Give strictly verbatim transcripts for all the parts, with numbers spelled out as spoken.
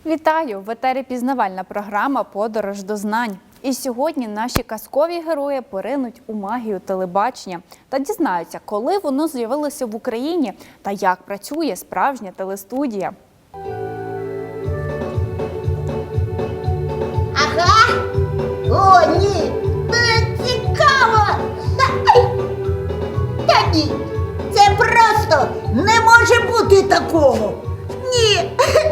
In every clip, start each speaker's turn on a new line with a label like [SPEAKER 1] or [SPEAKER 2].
[SPEAKER 1] Вітаю! В етері пізнавальна програма «Подорож до знань». І сьогодні наші казкові герої поринуть у магію телебачення та дізнаються, коли воно з'явилося в Україні та як працює справжня телестудія.
[SPEAKER 2] Ага! О, ні! Це цікаво! Та ні! Це просто не може бути такого! Ні!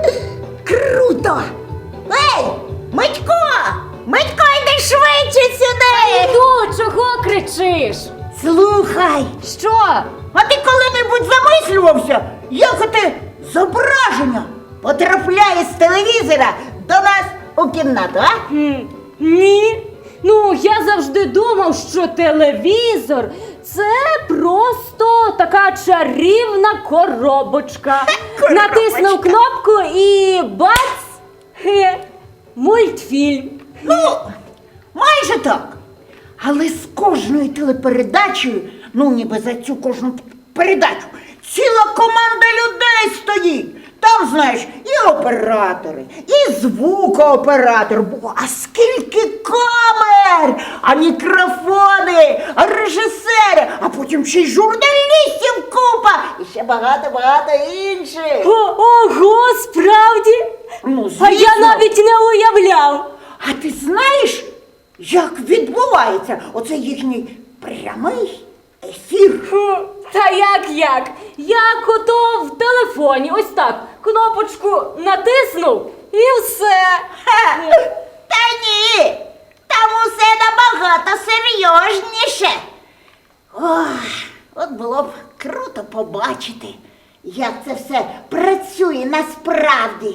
[SPEAKER 2] Круто! Ей! Митько! Митько, йди швидше сюди!
[SPEAKER 3] Іду, чого кричиш?
[SPEAKER 2] Слухай!
[SPEAKER 3] Що?
[SPEAKER 2] А ти коли-небудь замислювався, як оте зображення потрапляє з телевізора до нас у кімнату, а?
[SPEAKER 3] Хм, ні. Ну, я завжди думав, що телевізор – це просто така чарівна коробочка.
[SPEAKER 2] Коробочка.
[SPEAKER 3] Натиснув кнопку і бац! Хе, мультфільм.
[SPEAKER 2] Ну, майже так. Але з кожною телепередачею, ну ніби за цю кожну передачу, ціла команда людей стоїть. Там, знаєш, і оператори, і звукооператор. Бо, а скільки камер, а мікрофони, а режисери, а потім ще й журналістів купа, і ще багато-багато інших.
[SPEAKER 3] О, ого, справді?
[SPEAKER 2] Ну, звісно.
[SPEAKER 3] А я навіть не уявляв.
[SPEAKER 2] А ти знаєш, як відбувається оце їхній прямий ефір?
[SPEAKER 3] Хм, Та як як? Як ото в телефоні, ось так, кнопочку натиснув і все.
[SPEAKER 2] Ха! Та ні, там усе набагато серйозніше. Ох, от було б круто побачити, як це все працює насправді.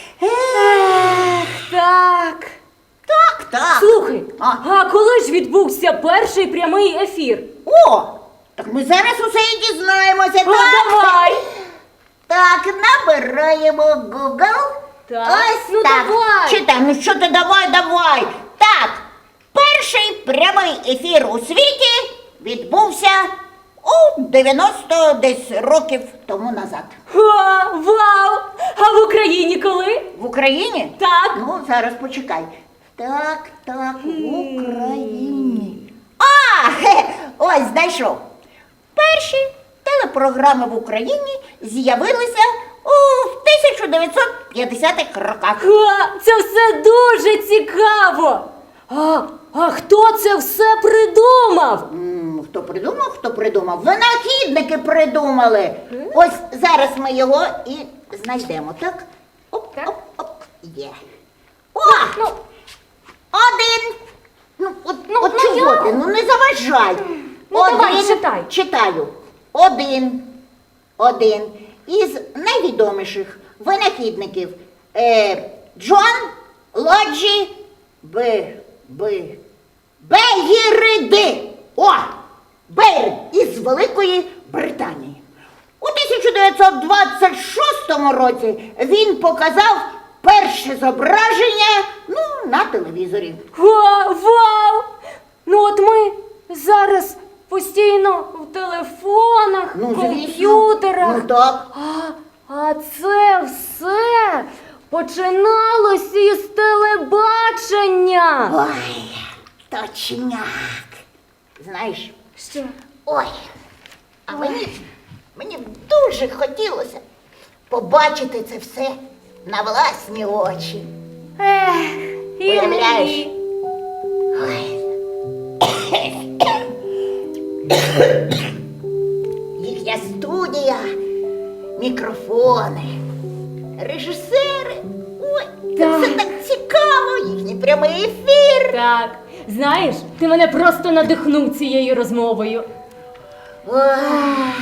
[SPEAKER 2] Ех,
[SPEAKER 3] Так.
[SPEAKER 2] так, так.
[SPEAKER 3] Слухай,
[SPEAKER 2] А?
[SPEAKER 3] а коли ж відбувся перший прямий ефір?
[SPEAKER 2] О, так ми зараз усе і дізнаємося.
[SPEAKER 3] Ну,
[SPEAKER 2] так?
[SPEAKER 3] давай.
[SPEAKER 2] Так, набираємо Google.
[SPEAKER 3] Так,
[SPEAKER 2] Ось
[SPEAKER 3] ну
[SPEAKER 2] так.
[SPEAKER 3] давай.
[SPEAKER 2] Читай, ну що ти давай, давай. Так, перший прямий ефір у світі відбувся у дев'яносто десь років тому назад.
[SPEAKER 3] О, вау! А в Україні коли?
[SPEAKER 2] В Україні?
[SPEAKER 3] Так.
[SPEAKER 2] Ну, зараз почекай. Так, так, в Україні. А, хе, ось знайшов. Перші телепрограми в Україні з'явилися у тисяча дев'ятсот п'ятдесятих роках.
[SPEAKER 3] О, це все дуже цікаво. А, а хто це все придумав?
[SPEAKER 2] М, Хто придумав, хто придумав? Винахідники придумали. Ось зараз ми його і знайдемо, так? Оп,
[SPEAKER 3] Так.
[SPEAKER 2] оп, оп, є. О!
[SPEAKER 3] Ну,
[SPEAKER 2] Один. Ну, от,
[SPEAKER 3] Ну,
[SPEAKER 2] от
[SPEAKER 3] ну,
[SPEAKER 2] чого
[SPEAKER 3] я-
[SPEAKER 2] ти? Ну не заважай.
[SPEAKER 3] Ну, давай, читай.
[SPEAKER 2] Читаю. Один. Один із найвідоміших винахідників е, Джон Лоджі Б. Б. Бегіриди. О! Бейрид із Великої Британії. У тисяча дев'ятсот двадцять шостому році він показав перше зображення, ну, на телевізорі.
[SPEAKER 3] О, вау! Ну от ми зараз постійно в телефонах,
[SPEAKER 2] Ну, звісно.
[SPEAKER 3] комп'ютерах.
[SPEAKER 2] Ну, так.
[SPEAKER 3] А, а це все починалося із телебачення.
[SPEAKER 2] Ой, точняк. Знаєш,
[SPEAKER 3] Що?
[SPEAKER 2] ой, а мені, мені дуже хотілося побачити це все на власні очі.
[SPEAKER 3] Ех, і
[SPEAKER 2] Уявляєш?
[SPEAKER 3] мені.
[SPEAKER 2] Ой. Їхня студія, мікрофони, режисери. Ой, це
[SPEAKER 3] Так.
[SPEAKER 2] все так цікаво, їхній прямий ефір.
[SPEAKER 3] Так, знаєш, ти мене просто надихнув цією розмовою.
[SPEAKER 2] Ой,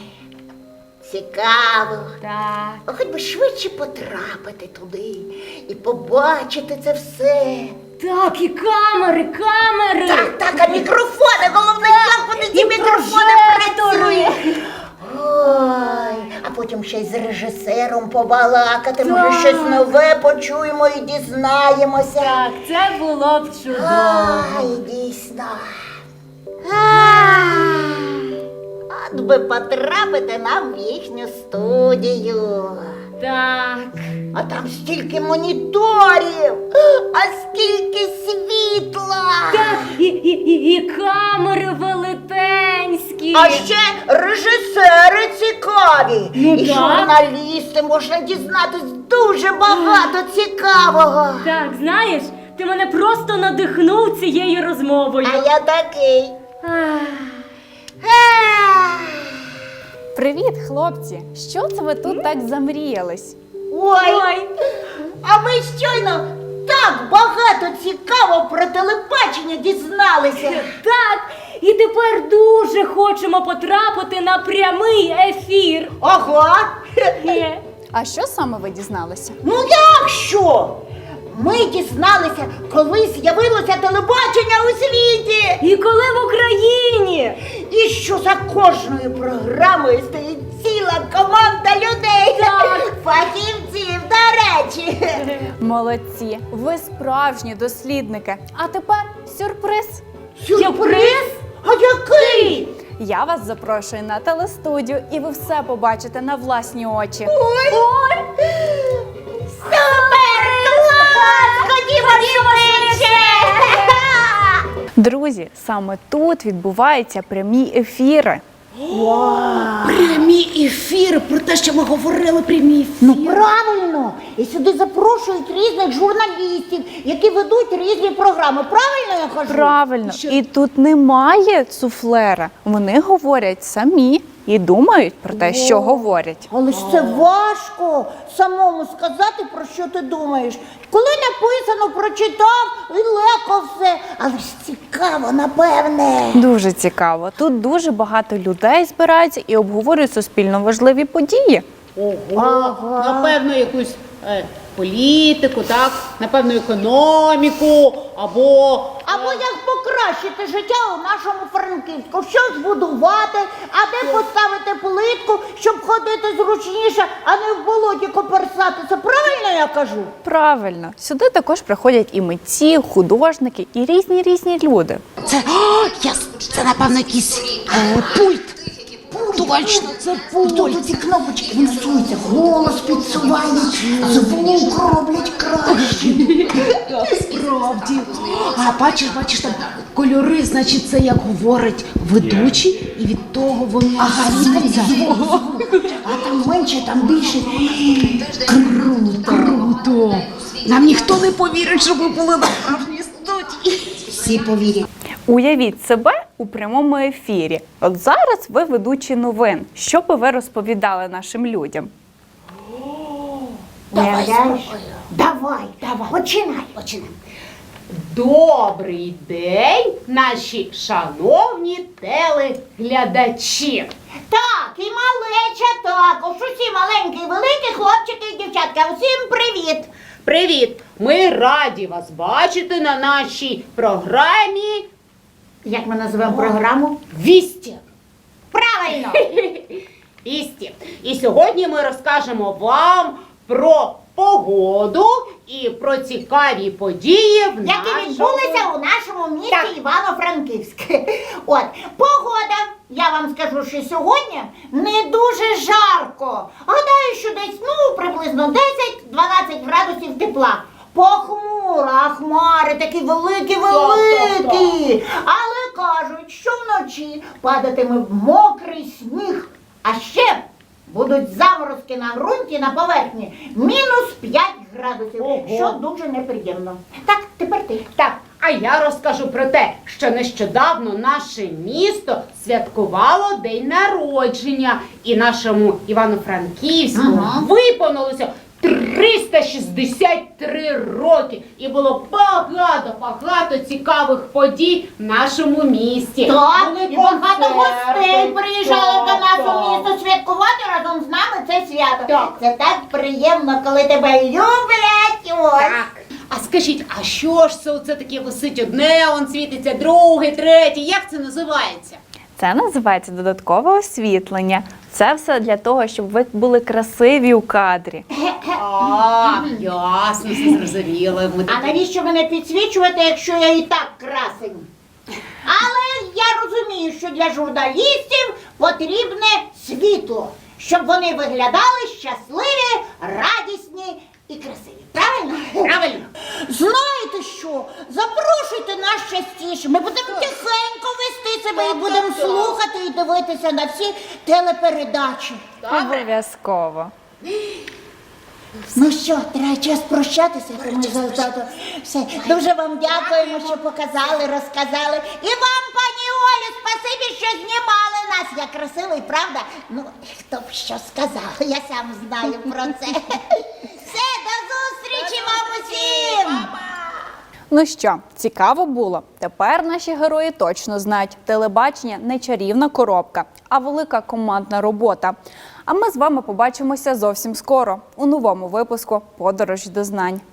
[SPEAKER 2] цікаво.
[SPEAKER 3] Так.
[SPEAKER 2] А хоч би швидше потрапити туди і побачити це все.
[SPEAKER 3] Так, і камери, камери.
[SPEAKER 2] Так, так, а мікрофони, головне, як вони ці
[SPEAKER 3] і
[SPEAKER 2] мікрофони
[SPEAKER 3] прожектори.
[SPEAKER 2] працюють. Ой, а потім ще й з режисером побалакати, може
[SPEAKER 3] Так.
[SPEAKER 2] щось нове почуємо і дізнаємося.
[SPEAKER 3] Так, це було б чудово.
[SPEAKER 2] Ай, дійсно. Ай, от би потрапити нам в їхню студію.
[SPEAKER 3] Так.
[SPEAKER 2] А там стільки моніторів, а скільки світла.
[SPEAKER 3] Так, і, і, і, і камери велетенські.
[SPEAKER 2] А ще режисери цікаві.
[SPEAKER 3] Ну,
[SPEAKER 2] і
[SPEAKER 3] так.
[SPEAKER 2] журналісти, можна дізнатись дуже багато цікавого.
[SPEAKER 3] Так, знаєш, ти мене просто надихнув цією розмовою.
[SPEAKER 2] А я такий.
[SPEAKER 3] Ах.
[SPEAKER 2] Ех.
[SPEAKER 1] Привіт, хлопці! Що це ви тут так замріялись?
[SPEAKER 2] Ой,
[SPEAKER 3] Ой.
[SPEAKER 2] а ми щойно так багато цікаво про телебачення дізналися.
[SPEAKER 3] Так, і тепер дуже хочемо потрапити на прямий ефір.
[SPEAKER 2] Ого!
[SPEAKER 3] Е.
[SPEAKER 1] А що саме ви дізналися?
[SPEAKER 2] Ну як що? Ми дізналися, коли з'явилося телебачення у світі.
[SPEAKER 3] І коли в Україні?
[SPEAKER 2] І що за кожною програмою стоїть ціла команда людей.
[SPEAKER 3] Так.
[SPEAKER 2] Фахівців, до речі.
[SPEAKER 1] Молодці! Ви справжні дослідники. А тепер сюрприз!
[SPEAKER 3] Сюрприз?
[SPEAKER 2] А який?
[SPEAKER 1] Я вас запрошую на телестудію, і ви все побачите на власні очі.
[SPEAKER 2] Ой! Ой! Супер! Клас! Ходімо швидше!
[SPEAKER 1] Друзі, саме тут відбуваються прямі ефіри.
[SPEAKER 4] Прямі ефіри, про те, що ми говорили, прямі ефіри.
[SPEAKER 2] Ну правильно! І сюди запрошують різних журналістів, які ведуть різні програми. Правильно я кажу?
[SPEAKER 1] Правильно.
[SPEAKER 4] Що?
[SPEAKER 1] І тут немає суфлера. Вони говорять самі і думають про те, що говорять.
[SPEAKER 2] Але ж це важко самому сказати, про що ти думаєш. Коли написано, прочитав і легко все. Але ж цікаво, напевне.
[SPEAKER 1] Дуже цікаво. Тут дуже багато людей збираються і обговорюють суспільно важливі події.
[SPEAKER 4] Ого,
[SPEAKER 2] Ага.
[SPEAKER 4] напевно, якусь е, політику, так, напевно, економіку, або
[SPEAKER 2] Або як покращити життя у нашому Франківську, що збудувати, а де поставити плитку, щоб ходити зручніше, а не в болоті коперсатися. Правильно я кажу?
[SPEAKER 1] Правильно, сюди також приходять і митці, художники, і різні різні люди.
[SPEAKER 5] Це, о, я, це напевно, якийсь е, пульт. Точно,
[SPEAKER 2] Це пульт. Ці кнопочки виносуються, голос підсувають, звук роблять краще.
[SPEAKER 5] справді. А бачиш, бачиш, там кольори, значить, це як говорить ведучий, і від того воно
[SPEAKER 2] Ага,
[SPEAKER 5] світиться.
[SPEAKER 2] а там менше, там більше.
[SPEAKER 5] Круто. Нам ніхто не повірить, що ми були на справжній студії.
[SPEAKER 2] Всі повірять.
[SPEAKER 1] Уявіть себе у прямому ефірі. От зараз ви ведучі новин. Що би ви розповідали нашим людям?
[SPEAKER 2] Уявляєш? Давай, давай, починай, починай.
[SPEAKER 4] Добрий день, наші шановні телеглядачі.
[SPEAKER 2] Так, і малеча також. Усі маленькі і великі, хлопчики і дівчатка. Усім привіт.
[SPEAKER 4] Привіт! Ми раді вас бачити на нашій програмі
[SPEAKER 2] Як ми називаємо програму?
[SPEAKER 4] «Вісті».
[SPEAKER 2] Правильно.
[SPEAKER 4] Вісті. І сьогодні ми розкажемо вам про погоду і про цікаві події, в
[SPEAKER 2] Які
[SPEAKER 4] нашому...
[SPEAKER 2] відбулися у нашому місті
[SPEAKER 4] Так.
[SPEAKER 2] Івано-Франківське. От, погода, я вам скажу, що сьогодні не дуже жарко. Гадаю, що десь, ну, приблизно десять-дванадцять градусів тепла. Похмуро, а хмари такі великі-великі. Але кажуть, що вночі падатиме мокрий сніг. А ще будуть заморозки на ґрунті, на поверхні. Мінус п'ять градусів,
[SPEAKER 4] Ого.
[SPEAKER 2] що дуже неприємно. Так, тепер ти.
[SPEAKER 4] Так, а я розкажу про те, що нещодавно наше місто святкувало день народження, і нашому Івано-Франківську
[SPEAKER 2] Ага.
[SPEAKER 4] виповнилося триста шістдесят три роки. І було багато-багато цікавих подій в нашому місті.
[SPEAKER 2] Так,
[SPEAKER 4] Були
[SPEAKER 2] і багато
[SPEAKER 4] концерти.
[SPEAKER 2] гостей приїжджали
[SPEAKER 4] Так,
[SPEAKER 2] до нас у
[SPEAKER 4] так.
[SPEAKER 2] місто святкувати разом з нами це свято.
[SPEAKER 4] Так.
[SPEAKER 2] Це так приємно, коли тебе люблять. Ось.
[SPEAKER 4] Так. А скажіть, а що ж це оце таке висить? Одне он світиться, друге, третє. Як це називається?
[SPEAKER 1] Це називається додаткове освітлення. Це все для того, щоб ви були красиві у кадрі.
[SPEAKER 4] А, ясно, все зрозуміло. Ми
[SPEAKER 2] А
[SPEAKER 4] такі-
[SPEAKER 2] навіщо мене підсвічувати, якщо я і так красень? Але я розумію, що для журналістів потрібне світло, щоб вони виглядали щасливі, радісні тихіше. Ми будемо тихенько вести себе і будемо слухати і дивитися на всі телепередачі.
[SPEAKER 1] Обов'язково.
[SPEAKER 2] Ну що, треба час прощатися, тому за- за- все. Дуже вам дякуємо, що показали, розказали. І вам, пані Олю, спасибі, що знімали нас. Я красивий, правда? Ну, хто б що сказав, я сам знаю про це. Все, до зустрічі вам усім!
[SPEAKER 1] Ну що, цікаво було? Тепер наші герої точно знають, телебачення не чарівна коробка, а велика командна робота. А ми з вами побачимося зовсім скоро у новому випуску «Подорож до знань».